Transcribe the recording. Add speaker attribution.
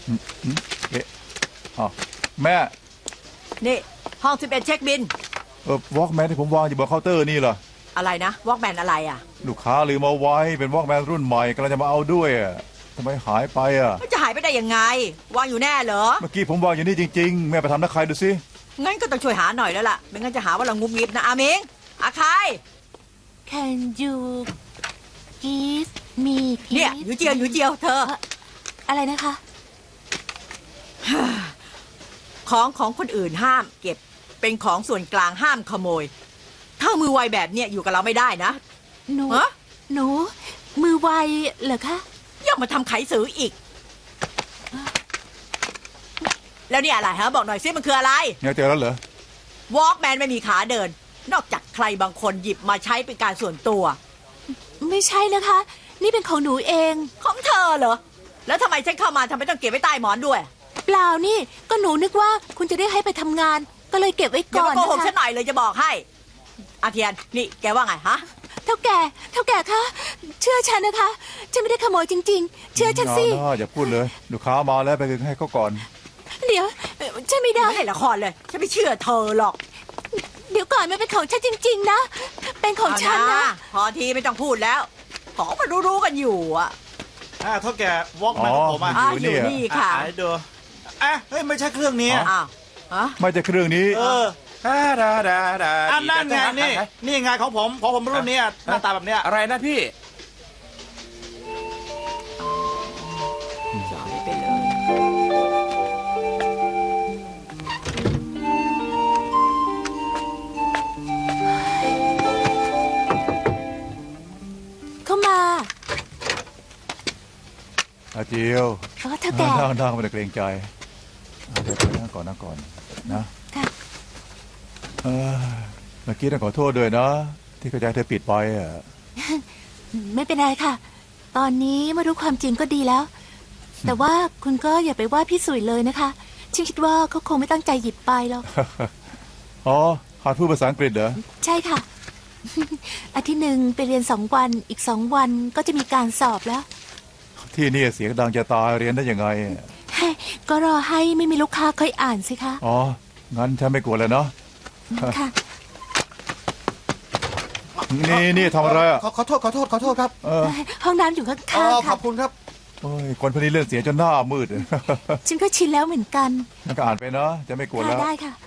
Speaker 1: เอ๊ะอ๋อแม่
Speaker 2: นี่ห้อง11เช็คบิน
Speaker 1: วอล์กแมนที่ผมวางอยู่บนเคาน์เตอร์นี่เหรอ
Speaker 2: อะไรนะวอล์กแมนอะไรอ่ะ
Speaker 1: ลูกค้าลืมเอาไว้เป็นวอล์กแมนรุ่นใหม่กำลังจะมาเอาด้วยทำไมหายไป
Speaker 2: มันจะหายไปได้ยังไงวางอยู่แน่เหรอ
Speaker 1: เมื่อกี้ผมวางอยู่นี่จริงๆแม่ไปทำนักใครดูสิ
Speaker 2: งั้นก็ต้องช่วยหาหน่อยแล้วล่ะไม่งั้นจะหาว่าเรางุบงิบนะอามิงอาคาย
Speaker 3: Can you give me
Speaker 2: เนี่ย
Speaker 3: please
Speaker 2: อยู่เจียวเธอ
Speaker 3: อะไรนะคะ
Speaker 2: ของคนอื่นห้ามเก็บเป็นของส่วนกลางห้ามขโมยถ้ามือไวแบบเนี้ยอยู่กับเราไม่ได้นะ
Speaker 3: หนู
Speaker 2: ฮะ
Speaker 3: หนูมือไวเหรอคะ
Speaker 2: อย่ามาทำไขสืออีกแล้วนี่อะไรฮะบอกหน่อยซิมันคืออะไร
Speaker 1: เนี่ยเจอแล้วเหรอ
Speaker 2: วอล์กแมนไม่มีขาเดินนอกจากใครบางคนหยิบมาใช้เป็นการส่วนตัว
Speaker 3: ไม่ใช่นะคะ นี่เป็นของหนูเอง
Speaker 2: ของเธอเหรอแล้วทำไมฉันเข้ามาทำไมต้องเก็บไว้ใต้หมอนด้วย
Speaker 3: เปล่านี่ก็หนูนึกว่าคุณจะได้ให้ไปทำงานก็เลยเก็บไว้
Speaker 2: อย่า
Speaker 3: ก่อน
Speaker 2: มาโกหก
Speaker 3: นะคะ
Speaker 2: ฉันหน่อยเลยจะบอกให้อาเทียนนี่แกว่าไงฮะ
Speaker 3: เท่าแก่คะเชื่อฉันนะคะฉันไม่ได้ขโมยจริงๆเชื่อฉันสิ
Speaker 1: อย่าพูดเลยลูกค้ามาแล้วไปคืนให้เขาก่อน
Speaker 3: เดี๋ยวฉันไม่ได้
Speaker 2: ไม่ให้ละครเลยฉันไม่เชื่อเธอหรอก
Speaker 3: เดี๋ยวก่อนมันเป็นของฉันจริงๆนะเป็นของฉันนะ
Speaker 2: พอทีไม่ต้องพูดแล้วของมันรู้กันอยู่อ่ะ
Speaker 4: เท่าแก่วอล์กแมนของผม
Speaker 2: อยู่นี่ค่ะ
Speaker 4: ดูเฮ้ยไม่ใช่เครื่องนี้
Speaker 1: ไม่ใช่เครื่องนี้
Speaker 4: นั่นไงนี่ไงของผมรุ่นนี้หน้าตาแบบเนี้ย
Speaker 5: อะไรนะพี่
Speaker 2: จอดไปเลย
Speaker 3: เข้ามา
Speaker 1: อาเจียว
Speaker 3: เท่าแก่
Speaker 1: นั่งไม่ได้เกรงใจเดี๋ยวนั่งก่อนนะเมื่อกี้ต้องขอโทษด้วยนะที่เข้าใจเธอปิดไป
Speaker 3: ไม่เป็นไรค่ะตอนนี้มารู้ความจริงก็ดีแล้วแต่ว่าคุณก็อย่าไปว่าพี่สุยเลยนะคะฉันคิดว่าเขาคงไม่ตั้งใจหยิบไปหรอก
Speaker 1: อ๋อหัดพูดภาษาอังกฤษเหรอ
Speaker 3: ใช่ค่ะอาทิตย์หนึ่งไปเรียน2 วันอีก2 วันก็จะมีการสอบแล้ว
Speaker 1: ที่นี่เสียงดังจะตายเรียนได้ยังไง
Speaker 3: ก็รอให้ไม่มีลูกค้าค่อยอ่านสิคะ
Speaker 1: อ๋องั้นฉันไม่กลัวเลยเนาะ
Speaker 3: ค่ะ
Speaker 1: นี่ทำอะไร
Speaker 4: ขอโทษครับ
Speaker 3: ห้องน้ำอยู่ข้างๆค่ะ
Speaker 4: ขอบคุณครับ
Speaker 1: โอ้ยคนพวกนี้เล่นเสียจนหน้ามืด
Speaker 3: ฉันก็ชินแล้วเหมือนกัน
Speaker 1: ก็อ่านไปเนาะจะไม่กลัวแล้ว
Speaker 3: ได้ค่ะ